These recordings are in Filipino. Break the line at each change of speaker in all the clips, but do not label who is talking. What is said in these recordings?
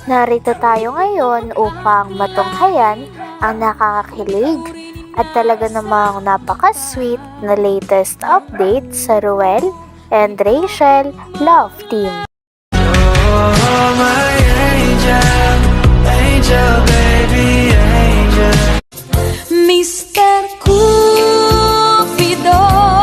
Narito tayo ngayon upang matunghayan ang nakakakilig at talaga namang napaka-sweet na latest update sa Ruel and Rachel Love Team.
Oh, my angel, angel, baby, angel.
Mr. Cupido,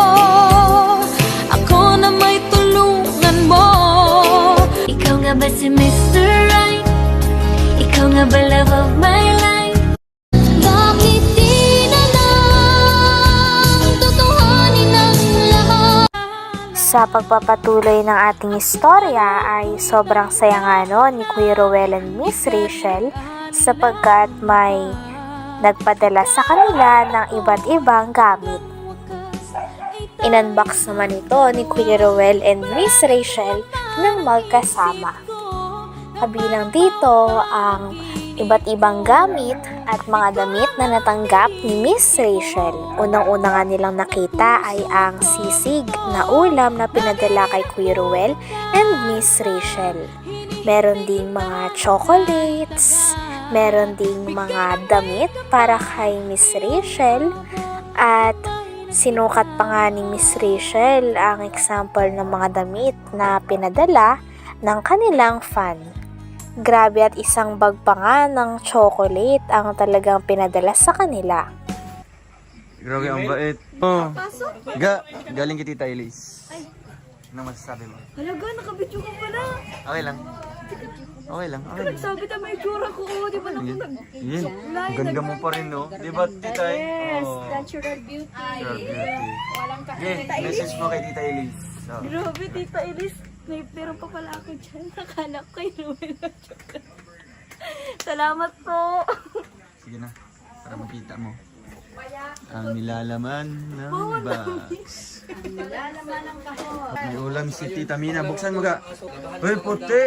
ako na may tulungan mo. Ikaw nga ba si Mr. Right? Ikaw nga ba love of my life? Bakit di na lang tutuhanin ang lahat?
Sa pagpapatuloy ng ating istorya ay sobrang saya nga no ni Kuya Ruel and Miss Rachel sapagkat may nagpadala sa kanila ng iba't ibang gamit. Inunbox naman ito ni Kuya Ruel and Miss Rachel ng magkasama. Kabilang dito ang iba't ibang gamit at mga damit na natanggap ni Miss Rachel. Unang-una nga nilang nakita ay ang sisig na ulam na pinadala kay Kuya Ruel and Miss Rachel. Meron ding mga chocolates, meron ding mga damit para kay Miss Rachel at sinukat pa nga ni Miss Rachel ang example ng mga damit na pinadala ng kanilang fan. Grabe at isang bag pa nga ng chocolate ang talagang pinadala sa kanila.
Grabe ang bait. Galing kay Tita Elise. Ano masasabi mo?
Halaga, nakabidyo ka pala.
Okay lang. Okay lang. Okay lang.
Nagsabi na may tsura ko, di ba naku
Yan. Ganda mo pa rin, no? Di ba, Tita?
Yes,
Oh.
natural beauty.
Natural beauty.
Walang
Okay, message mo kay Tita Elise. So,
Grabe, Tita Elise. May pero pa pala ako dyan. Nakala ko kay Ruel na tsaka. Salamat po.
sige na. Para makita mo. Ang nilalaman ng box. May ulam si Tita Mina. Buksan mo ka. Uy, puti!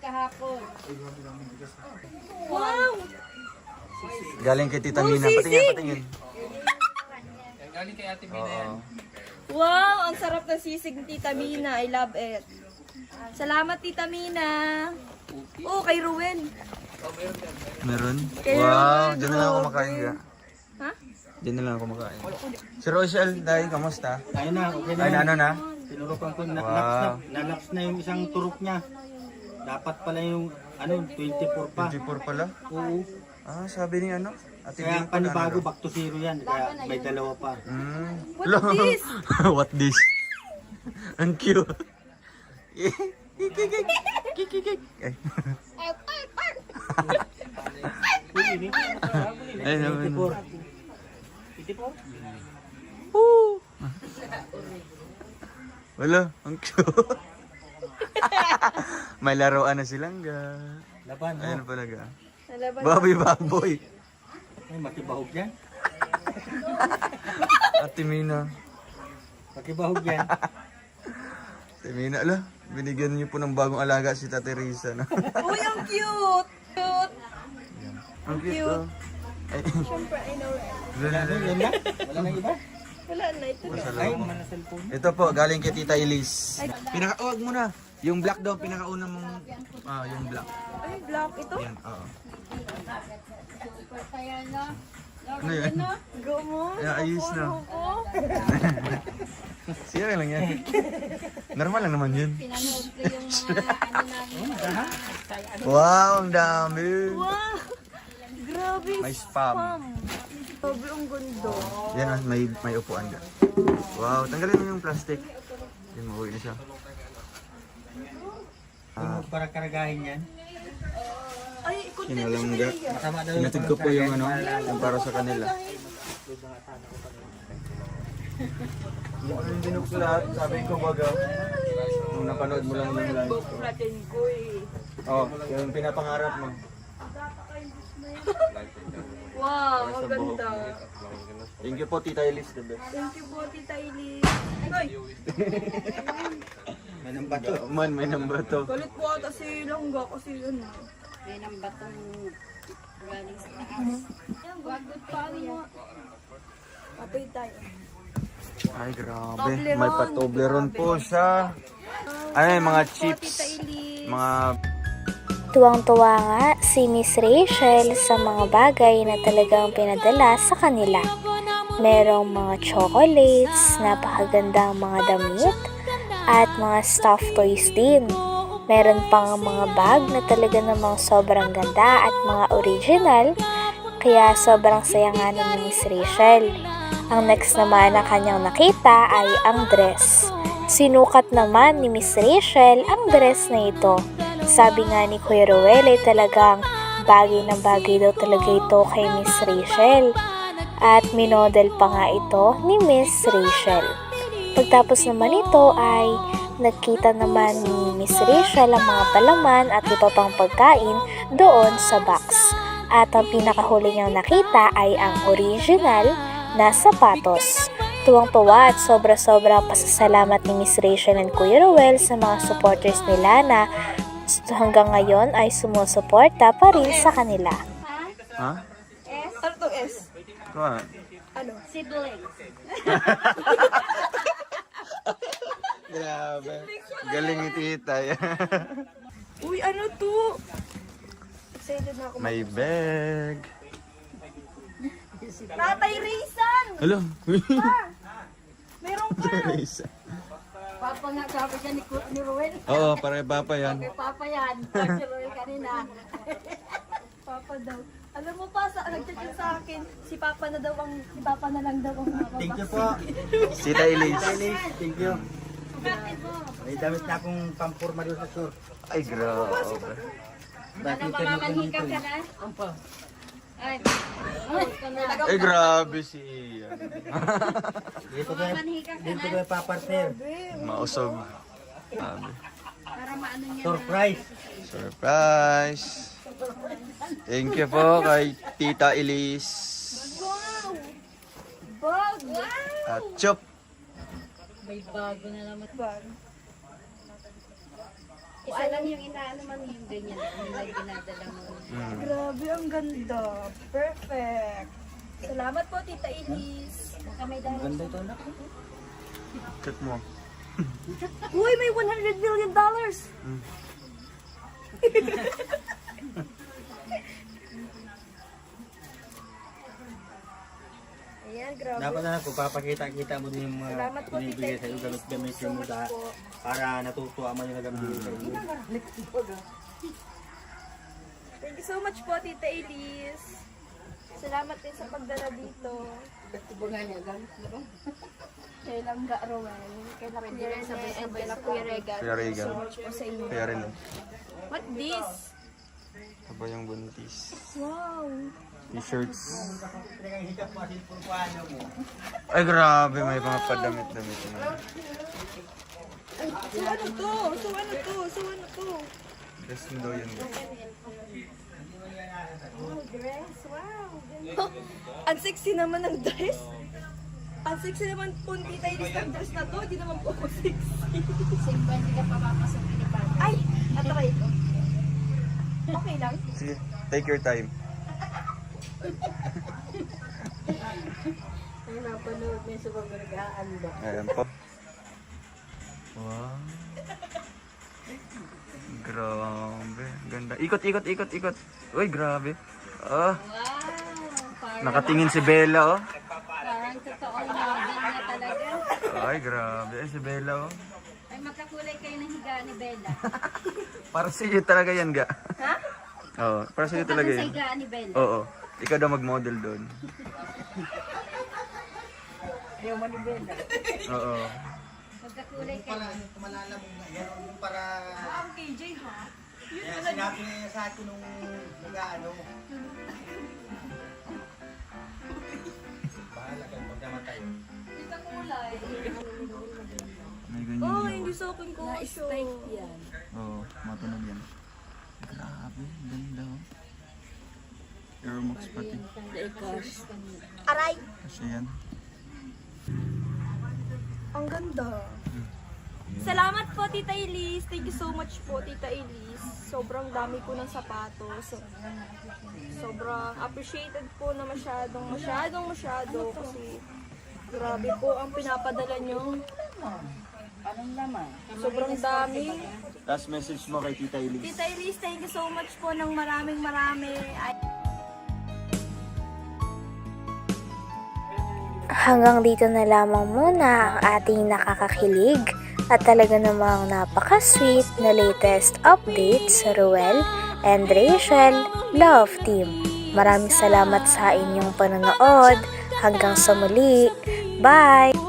Wow!
Galing kay Tita Mina. Patingin, patingin.
Wow! Ang sarap ng sisig ni Tita Mina. I love it. Salamat, Tita Mina. Oh, kay Ruel.
Meron?
Kaya
Wow,
naman,
dyan na lang ako
grabe.
kumakain ka.
Ha?
Dyan na lang ako kumakain. Si Rochelle, dahil kamusta?
Ayun na, okay na.
Ay, ano na?
Tinurukan ko,
Wow.
nalaps na yung isang turok niya. Dapat pala yung, 24 pa.
24 pala?
Oo.
Ah, sabi ni ano? Ate
Kaya
Bing pa na
panibago,
ano?
back to zero yan. Kaya may dalawa pa.
What this?
What this? Ang cute. Ay. Ay, naman.
24?
Wala, ang cute. May laruan na silang ga.
Laban,
Ayun pala ga.
Nalaban.
Baboy.
Ay, makibahog yan.
Ate Mina.
Makibahog yan.
Ate Mina, ala. Binigyan niyo po ng bagong alaga si Tate Risa. No?
Uy, ang cute! Cute!
Ang cute, oh. Ay,
Siyempre, I know it.
Yan na? Wala na iba?
Wala na ito.
Ay, mana cellphone.
ito po, galing kay Tita Elise. Pinaka-uwag mo na. Yung black daw, pinakauna mong... yung black.
Ay, black ito.
Yan, oo. Ano yan?
Go mo.
Ay, ayos na.
Ako.
Siya lang yan. Normal lang naman yun. Wow, ang dami.
Wow! Grabe.
May spam.
Sobrang ganda.
Yan, may upuan ka. Wow, tanggalin mo yung plastic. Yan, mauwi na siya.
Para karagahin yan.
Ay, ikot
Kinalangga.
Masama daw
Sinatid ko po yung yung para sa kanila. Yung dinok ko lahat, sabi ko baga, nung napanood mo lang yung live ko.
natin ko eh.
Oh, yung pinapangarap mo.
Wow,
Sa
ang
buhok
ganda.
mo. Thank you po, Tita Elise, the best.
Thank you po, Tita Eileen.
May nang bato.
Man, may number to.
Galit po ata si Langga kasi ano.
Yan ang batong galing sa taas.
Wagod pa mo. Patay tayo.
Ay, grabe. May Toblerone po siya. Ay, mga chips. Mga
Tuwang-tuwa nga si Miss Rachel sa mga bagay na talagang pinadala sa kanila. Merong mga chocolates, napakagandang mga damit, at mga stuffed toys din. Meron pang mga bag na talaga namang sobrang ganda at mga original, kaya sobrang saya nga nun ni Miss Rachel. Ang next naman na kanyang nakita ay ang dress. Sinukat naman ni Miss Rachel ang dress na ito. Sabi nga ni Kuya Ruel ay talagang bagay na bagay daw talaga ito kay Miss Rachel. At minodel pa nga ito ni Miss Rachel. Pagtapos naman ito ay nagkita naman ni Miss Rachel ang mga palaman at iba pang pagkain doon sa box. At ang pinakahuli niyang nakita ay ang original na sapatos. Tuwang-tuwa at sobra-sobra pasasalamat ni Miss Rachel and Kuya Ruel sa mga supporters nila na hanggang ngayon ay sumusuporta pa rin sa kanila.
Ha?
Ano to S?
Kuha.
Siblings.
Grabe. Galing ni tita.
Uy, ano to? Excited na ako.
May bag.
Tatay Rizan!
Hello.
Meron ka!
Papa nga sabi niya ni Ruel.
Oo, pare papa yan.
Kay Papa yan. Si Ruel kanina.
Papa daw. Alam mo pa, nag-chat sa akin, si Papa na lang daw ang
Thank you po.
Sita Elise.
Elise, thank you. May damit na akong pampurma doon sa sur.
Ay, grabe.
Bakit ka
Mamanhika ka na? Ay.
Ay, grabe si Ian.
Dito ko yung papartner.
Mausog. Grabe.
Para maano niya.
Surprise.
Surprise! Thank you po kay Tita Elise.
Bag!
At Chop.
May bago na naman. Isa lang yung inaano man yung ganyan. Yung may dinadala mo.
Grabe, ang ganda. Perfect. Salamat po, Tita Elise.
Kamay dahil.
Ganda ito na.
Check mo.
Uy, may $100 million! Ayan, grabe.
Dapat na kung papakita-kita mo din yung mga
Salamat po,
binibigay
Tita
sa iyo, gamit gamit
So
mo
much
da,
po.
para natutuwa man yung nagabigay sa iyo.
Thank you so much po, Tita Elise. Salamat din sa pagdala dito. Kay Langga Rowan, kay La Kuya Rene, and kay La Kuya Regan.
Kuya Regan.
So much po sa inyo.
Kaya rin.
What this?
Aba yung buntis.
Wow!
T-shirts. Ay, grabe. May mga padamit-damit na.
So ano to? So ano to? So ano to?
Dress mo daw yun.
Oh, dress. Wow! Ganda. Ang sexy naman ng dress. Ang sexy naman po ni Tita Elise ng dress na to. Hindi naman po ako sexy.
Simba, hindi ka papapasok ni Papa.
Ay! Atry ko. Okay lang.
Sige, take your time.
Ay, napanood niya sa pagkaragaan ba?
Ayan po. Wow. Grabe. Ganda. Ikot, ikot, ikot, ikot. Uy, grabe. Ah,
Wow! Parang,
nakatingin si Bella, oh.
parang totoong model niya talaga.
Ay, grabe. Ay, si Bella, oh.
Ay, magkakulay kayo ng higa ni Bella.
Para sa iyo talaga yan, ga.
Ha?
Oo, para sa iyo talaga
Sa
yan.
higaan ni Bella.
Oo. Ikaw daw mag-model doon. Oo.
Magkakulay kayo.
Kumalala mo nga yan, yung para...
Ang KJ ha?
Kaya sinabi niya sa akin nung ano. Bahala ka, magkamatay.
May ganyan
Oh,
yun.
hindi sa akin ko.
Na-spike yan.
Oo, matunog yan. Grabe, ganda, oh. Aeromax pati.
Aray!
Kasi yan.
Ang ganda. Salamat po, Tita Elise. Thank you so much po, Tita Elise. Sobrang dami po ng sapatos. Sobrang appreciated po na masyado. Kasi grabe po ang pinapadala nyo. Sobrang dami.
Last message mo kay Tita Elise.
Tita Elise, thank you so much po ng maraming marami.
Hanggang dito na lamang muna ang ating nakakakilig at talaga namang napaka-sweet na latest update sa Ruel and Rachel Love Team. Maraming salamat sa inyong panonood. Hanggang sa muli. Bye!